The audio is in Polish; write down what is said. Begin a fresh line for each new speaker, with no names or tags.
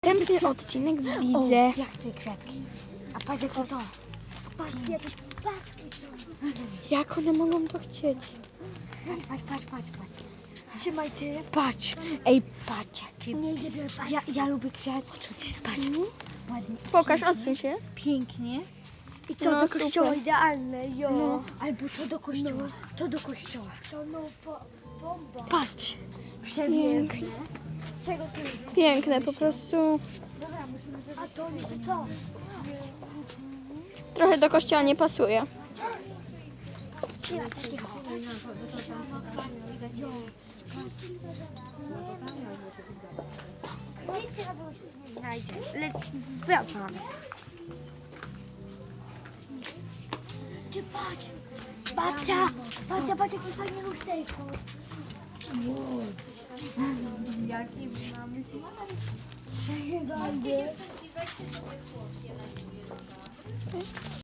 następny odcinek widzę.
O, ja chcę kwiatki. A patrz jak to.
Patrz, jakieś paczki są.
Jak one mogą to chcieć?
Patrz.
Trzymaj ty.
Patrz. Ej, patrz jakie.
Nie idzie biorę paczki.
Ja lubię kwiatki. Patrz. Ładnie.
Pokaż, odsuń się.
Pięknie.
I co,
No,
do kościoła
super.
idealne, jo.
No, albo to do kościoła. To do kościoła.
To no, bomba.
Patrz.
Pięknie.
Czego tu jest?
Piękne po prostu.
A to nie, to co?
Trochę do kościoła nie pasuje.
Nie ma takiego. Nic na było się nie znajdzie.
Wracamy.
Ty patrz. Babcia, patrz jakie fajne lusterko.
Jaki mamy
Chyba nie.